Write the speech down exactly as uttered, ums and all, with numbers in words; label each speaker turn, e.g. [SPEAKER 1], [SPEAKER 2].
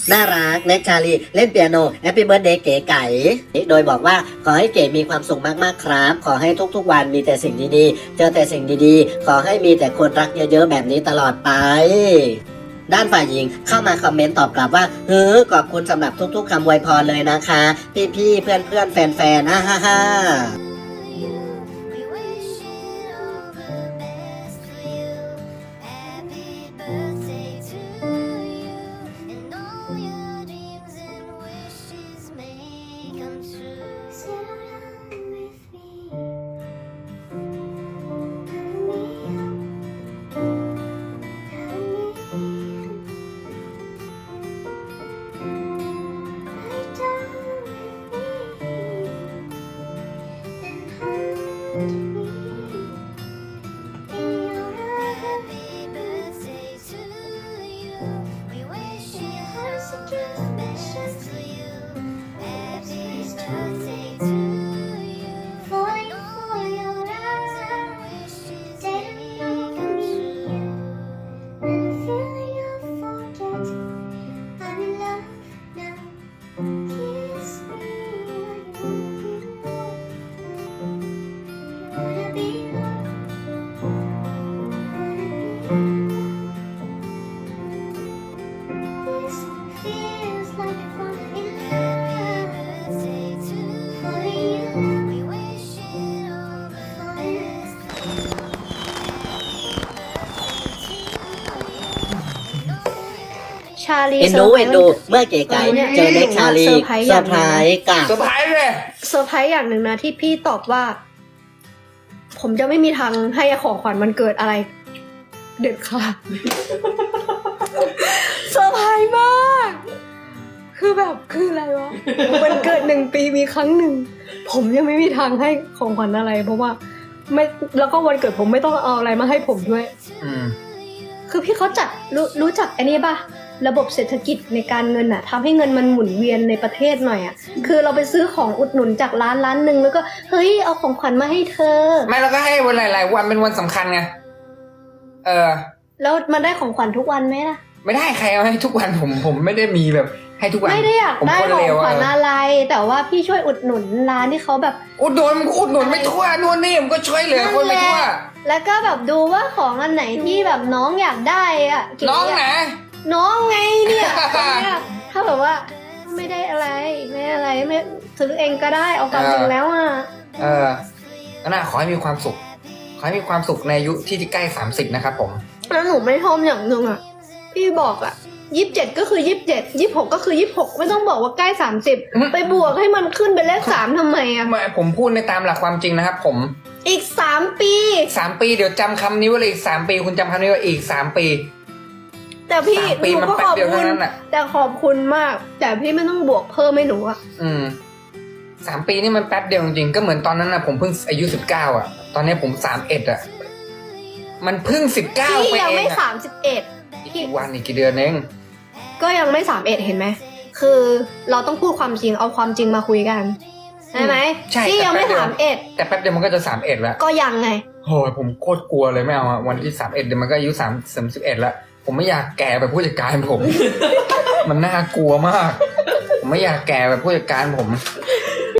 [SPEAKER 1] น่ารักเน็กชาลีเล่นเปียโนแฮปปี้เบิร์ดเดย์เก๋ไก่โดยบอกว่าขอให้เก๋มีความสุขมากๆครับขอให้ทุกๆวันมีแต่สิ่งดีๆเจอแต่สิ่งดีๆขอให้มีแต่คนรักเยอะๆแบบนี้ตลอดไปด้านฝ่ายหญิงเข้ามาคอมเมนต์ตอบกลับว่าเฮ้อขอบคุณสำหรับทุกๆคำอวยพรเลยนะคะพี่ๆเพื่อนๆแฟนๆอ่าฮ่าฮ่า
[SPEAKER 2] ชาลี
[SPEAKER 1] เอ็นดูเอ็นดูเมื่อเก๋ไก่เจอเน็กชาลีเซอร์ไพรส์กับ
[SPEAKER 3] เซอร์ไพรส์เลย
[SPEAKER 2] เซอร์ไพรส์อย่างหนึ่งนะที่พี่ตอบว่า ผมจะไม่มีทางให้ของขวัญมันเกิดอะไร เด็ดค่ะ เซอร์ไพรส์มากคือแบบคืออะไรวะมันเกิดหนึ่งปีมีครั้งหนึ่งผมยังไม่มีทางให้ของขวัญอะไร เพราะว่าไม่แล้วก็วันเกิดผมไม่ต้องเอาอะไรมาให้ผมด้วย
[SPEAKER 3] อืม
[SPEAKER 2] คือพี่เขาจัดรู้รู้จักอันนี้ป่ะระบบเศรษฐกิจในการเงินอะทำให้เงินมันหมุนเวียนในประเทศหน่อยอะคือเราไปซื้อของอุดหนุนจากร้านร้านหนึ่งแล้วก็เฮ้ยเอาของขวัญมาให้เธอ
[SPEAKER 3] ไม่เราก็ให้วันหลายๆวันเป็นวันสำคัญไงเออ
[SPEAKER 2] แล้วมันได้ของขวัญทุกวันไหมล่ะ
[SPEAKER 3] ไม่ได้ใครเอาให้ทุกวันผมผมไม่ได้มีแบบให้ทุกวัน
[SPEAKER 2] ไม่ได้อยาก
[SPEAKER 3] ผม
[SPEAKER 2] ได้
[SPEAKER 3] คน
[SPEAKER 2] ของ
[SPEAKER 3] เลว
[SPEAKER 2] ขวัญ
[SPEAKER 3] อะ
[SPEAKER 2] อะไร แต่ว่าพี่ช่วยอุดหนุนร้านที่เขาแบบ
[SPEAKER 3] อุดหนุนอุดหนุนไม่ทั่วนู่นนี่ผมก็ช่วยเหลือคนไม่ทั่ว
[SPEAKER 2] แล้วก็แบบดูว่าของอันไหนที่แบบน้องอยากได้อะเก๋
[SPEAKER 3] น้อง
[SPEAKER 2] อะ
[SPEAKER 3] นะ
[SPEAKER 2] น้องไงเนี่ยเนี่ยถ้าแบบว่าไม่ได้อะไรไม่ได้อะไรไม่ซื้อเองก็ได้เอาความจริงแล้วอะ
[SPEAKER 3] เออก็น่าขอให้มีความสุข ขอให้มีความสุขในอายุที่ใกล้สามสิบนะครับผม
[SPEAKER 2] แล้วหนูไม่ชอบอย่างหนึ่งอะพี่บอกอะยี่สิบเจ็ดก็คือยี่สิบเจ็ดยี่สิบหกก็คือยี่สิบหกไม่ต้องบอกว่าใกล้สามสิบ
[SPEAKER 3] อืม
[SPEAKER 2] ไปบวกให้มันขึ้นเป็นเลขสามทำไมอะ
[SPEAKER 3] ไม่ผมพูดในตามหลักความจริงนะครับผม
[SPEAKER 2] อีกสามปี
[SPEAKER 3] สามปีเดี๋ยวจำคำนี้ไว้เลยอีกสามปีคุณจำคำนี้ไว้อีกสามปี
[SPEAKER 2] แต่พี่
[SPEAKER 3] สามปี
[SPEAKER 2] หนู
[SPEAKER 3] มัน
[SPEAKER 2] ก็
[SPEAKER 3] แป๊
[SPEAKER 2] ข
[SPEAKER 3] บ
[SPEAKER 2] อบ
[SPEAKER 3] เดียว
[SPEAKER 2] คุ
[SPEAKER 3] เท่า
[SPEAKER 2] ณ
[SPEAKER 3] นั้นน่ะ
[SPEAKER 2] แต่ขอบคุณมาก แต่พี่ไม่ต้องบวกเพิ่มให้หนูอะ
[SPEAKER 3] อืมสามปีนี่มันแป๊บเดียวจริงๆก็เหมือนตอนนั้นนะผมเพิ่งอายุสิบเก้าอ่ะ ตอนนี้ผมสามเอ็ดอ่ะ มันเพิ่งสิบเก้า
[SPEAKER 2] พี่
[SPEAKER 3] ไป
[SPEAKER 2] ยัง
[SPEAKER 3] เอ
[SPEAKER 2] ไม่
[SPEAKER 3] ง
[SPEAKER 2] สา
[SPEAKER 3] อ่ะ
[SPEAKER 2] มสิบเอ็ด
[SPEAKER 3] อีกกี่วันอีกกี่เดือนเอง
[SPEAKER 2] ก็ยังไม่สามเอ็ดเห็นไหมคือเราต้องพูดความจริงเอาความจริงมาคุยกันใช่ไหม
[SPEAKER 3] ใช่
[SPEAKER 2] พี่ยังไม่สามเอ็ด
[SPEAKER 3] แต่แป๊บเดียวมันก็จะสามเอ็ดแล้ว
[SPEAKER 2] ก็ยังไง
[SPEAKER 3] โหยผมโคตรกลัวเลยไม่เอาอะวันที่สามเอ็ดเดี๋ยวมันก็อายุสามสามสิบเอ็ดแล้วผมไม่อยากแก่แบบผู้จัดการผม มันน่ากลัวมาก ผมไม่อยากแก่แบบผู้จัดการผม